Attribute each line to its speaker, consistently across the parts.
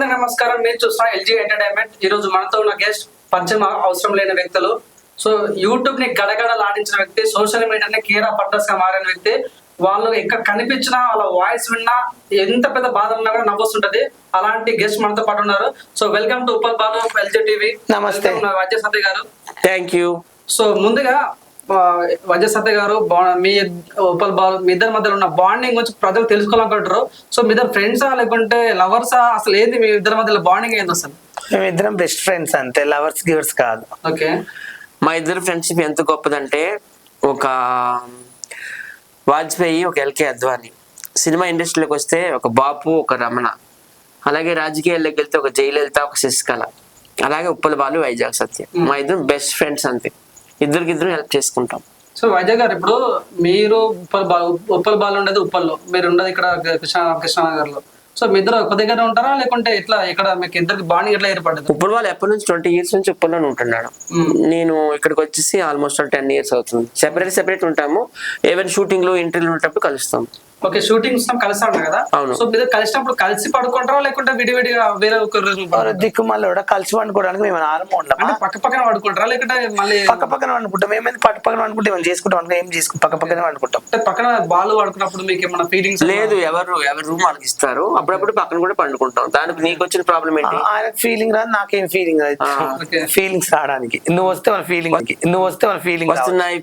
Speaker 1: మందికి నమస్కారం. మీరు చూస్తున్న ఎల్జీ ఎంటర్టైన్మెంట్. ఈ రోజు మనతో ఉన్న గెస్ట్ పరిచయం అవసరం లేని వ్యక్తులు. సో యూట్యూబ్ ని గడగడలాడించిన వ్యక్తి, సోషల్ మీడియాని కీరా పట్టస్ గా మారిన వ్యక్తి. వాళ్ళు ఎక్కడ కనిపించినా వాళ్ళ వాయిస్ విన్నా ఎంత పెద్ద బాధ ఉన్నా కూడా నవ్వొస్తుంటది. అలాంటి గెస్ట్ మనతో పాటు ఉన్నారు. So welcome to Uppal Balu, LG TV.
Speaker 2: నమస్తే
Speaker 1: వజ్ర సత్య గారు.
Speaker 2: Thank you.
Speaker 1: సో ముందుగా వజ్ర సత్య గారు, మీ ఉప్పల్ బాలు మీ ఇద్దరి మధ్యలో ఉన్న బాండింగ్ గురించి ప్రజలు తెలుసుకోవాలనుకుంటారు. సో మీ ఇద్దరు ఫ్రెండ్సా లేకుంటే లవర్సా? అసలు ఏంది మీ ఇద్దరి మధ్యలో బాండింగ్ ఏంది అసలు?
Speaker 2: మేము ఇద్దరం బెస్ట్ ఫ్రెండ్స్ అంతే, లవర్స్ గివర్స్ కాదు.
Speaker 1: ఓకే.
Speaker 3: మా ఇద్దరు ఫ్రెండ్షిప్ ఎంత గొప్పదంటే, ఒక వాజ్పేయి, ఒక ఎల్కే అద్వాని. సినిమా ఇండస్ట్రీలోకి వస్తే ఒక బాపు, ఒక రమణ. అలాగే రాజకీయాల్లోకి వెళ్తే ఒక జయలలిత, ఒక శశికళ. అలాగే ఉప్పల్ బాలు, వైజాగ్ సత్య. మా ఇద్దరు బెస్ట్ ఫ్రెండ్స్ అంతే, ఇద్దరికిద్దరు హెల్ప్ చేసుకుంటాం.
Speaker 1: సో వైజాగ్ గారు, ఇప్పుడు మీరు ఉప్పల్ బాలు ఉండేది ఉప్పల్లో, మీరు ఉండేది ఇక్కడ కృష్ణానగర్ లో. సో మీ ఇద్దరు ఒక దగ్గర ఉంటారా లేకుంటే ఎట్లా, ఇక్కడ మీకు ఇద్దరికి బాండింగ్ ఎట్లా ఏర్పడ్డది?
Speaker 3: ఉప్పల్ బాలు ఎప్పటి నుంచి 20 years నుంచి ఉప్పల్లోనే ఉంటున్నాడు. నేను ఇక్కడికి వచ్చేసి ఆల్మోస్ట్ 10 years అవుతుంది. సెపరేట్ ఉంటాము. ఈవెన్ షూటింగ్ లో ఇంటర్వ్యూలు ఉన్నప్పుడు కలుస్తాం.
Speaker 1: ఓకే, షూటింగ్ కలిసి ఉంటాం కదా.
Speaker 3: అవును.
Speaker 1: సో మీరు కలిసినప్పుడు కలిసి పడుకుంటారా లేకుంటే విడివిడిగా వేరే ఒక
Speaker 2: దిక్కు మళ్ళీ కూడా కలిసి వండుకోవడానికి మేము ఆరంభం ఉంటాం.
Speaker 1: అంటే పక్క పక్కన పడుకుంటారా లేకుంటే మళ్ళీ
Speaker 2: పక్క పక్కన వండుకుంటాం. ఏమైంది పక్క పక్కన వండుకుంటే ఏమైనా చేసుకుంటాం, ఏం చేసుకుంటాం, పక్క పక్కనే వండుకుంటాం.
Speaker 1: అంటే పక్కన బాలు పడుకున్నప్పుడు మీకు ఏమైనా ఫీలింగ్స్?
Speaker 3: లేదు, ఎవరు రూమ్ వాళ్ళకి ఇస్తారు. అప్పుడప్పుడు పక్కన కూడా పండుకుంటాం. దానికి నీకు వచ్చిన ప్రాబ్లం ఏంటి?
Speaker 2: ఆయనకు ఫీలింగ్ రాదు, నాకేం ఫీలింగ్ రాదు. ఫీలింగ్స్ రావడానికి నువ్వు వస్తే మన ఫీలింగ్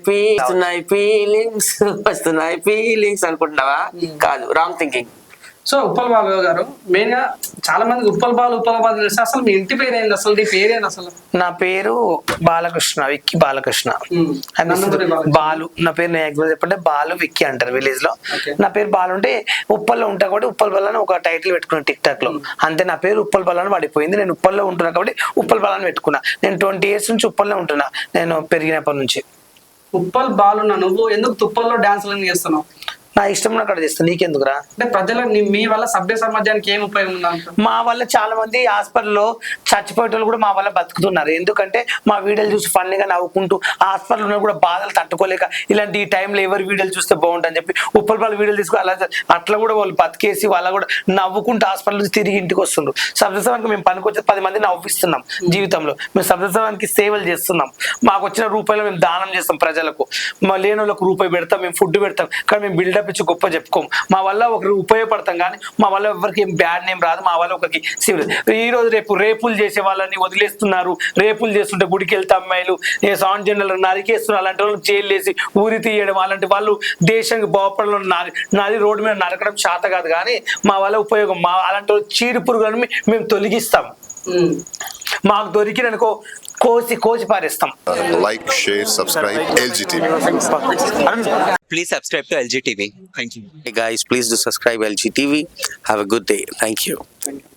Speaker 3: వస్తున్నాయి ఫీలింగ్స్ అనుకుంటున్నావా? కాదు, wrong thinking.
Speaker 1: So Uppal Balu గారు, మెయిన్ గా చాలా మంది ఉప్పల్ బాలు తెలిస్తే అసలు మీ ఇంటి పేరు ఏంది? అసలు నీ పేరు ఏంది అసలు?
Speaker 2: నా పేరు బాలకృష్ణ, విక్కీ బాలకృష్ణ. బాలు నా పేరు. నేను చెప్పంటే బాలు విక్కీ అంటారు విలేజ్ లో. నా పేరు బాలు అంటే ఉప్పల్లో ఉంటా కాబట్టి ఉప్పల్ బాలు అని ఒక టైటిల్ పెట్టుకున్నాను టిక్ టాక్ లో. అంతే, నా పేరు ఉప్పల్ బాలు అని పడిపోయింది. నేను ఉప్పల్లో ఉంటున్నా కాబట్టి ఉప్పల్ బాలు అని పెట్టుకున్నా. నేను 20 years నుంచి ఉప్పల్లో ఉంటున్నా, నేను పెరిగినప్పటి నుంచి.
Speaker 1: ఉప్పల్ బాలు, నువ్వు ఎందుకు తుప్పల్లో డాన్సులు చేస్తున్నావు?
Speaker 2: నా ఇష్టం అక్కడ చేస్తాను, నీకెందుకురా?
Speaker 1: అంటే ప్రజల మీ వల్ల సభ్య సమాజానికి ఏం ఉపయోగం ఉందంట?
Speaker 2: మా వల్ల చాలా మంది హాస్పిటల్లో చచ్చిపోయేటోళ్ళు కూడా మా వల్ల బతుకుతున్నారు. ఎందుకంటే మా వీడియోలు చూసి ఫన్నీగా నవ్వుకుంటూ హాస్పిటల్లో కూడా బాధలు తట్టుకోలేక ఇలాంటి ఈ టైంలో ఎవరి వీడియోలు చూస్తే బాగుంటుందని చెప్పి ఉప్పల్ బాలు వీడియోలు తీసుకుని అట్లా కూడా వాళ్ళు బతికేసి వాళ్ళ కూడా నవ్వుకుంటూ హాస్పిటల్ నుంచి తిరిగి ఇంటికి వస్తుండ్రు. సభ్యత్వానికి మేము పనికొచ్చి 10 మంది నవ్విస్తున్నాం జీవితంలో. మేము సభ్యత్వానికి సేవలు చేస్తున్నాం. మాకు వచ్చిన రూపాయలు మేము దానం చేస్తాం ప్రజలకు. మా లేని వాళ్ళకు రూపాయి పెడతాం, మేము ఫుడ్ పెడతాం. కానీ మేము బిల్డప్ ఇచ్చి గొప్ప చెప్పుకోం. మా వల్ల ఒకరికి ఉపయోగపడతాం కానీ మా వల్ల ఎవరికి ఏం బ్యాడ్ నేమ్ రాదు. మా వల్ల ఒకరికి ఈ రోజు రేపులు చేసే వాళ్ళని వదిలేస్తున్నారు. రేపులు చేస్తుంటే గుడికి వెళ్తే అమ్మాయిలు సాన్ జనరల్ నరికేస్తున్నారు. అలాంటి వాళ్ళు జైలు వేసి ఊరి తీయడం, అలాంటి వాళ్ళు దేశానికి బాగుపడడం, నాది రోడ్డు మీద నరకడం శాత కాదు. కానీ మా వల్ల ఉపయోగం, మా అలాంటి వాళ్ళు చీరు పురుగులను మేము తొలగిస్తాం. మాకు దొరికిననుకో కోసి పారేస్తాం.
Speaker 4: Like, share, subscribe LG TV.
Speaker 5: Please subscribe to LG TV. Thank you.
Speaker 6: Hey guys, please do subscribe LG TV. Have a good day. Thank you.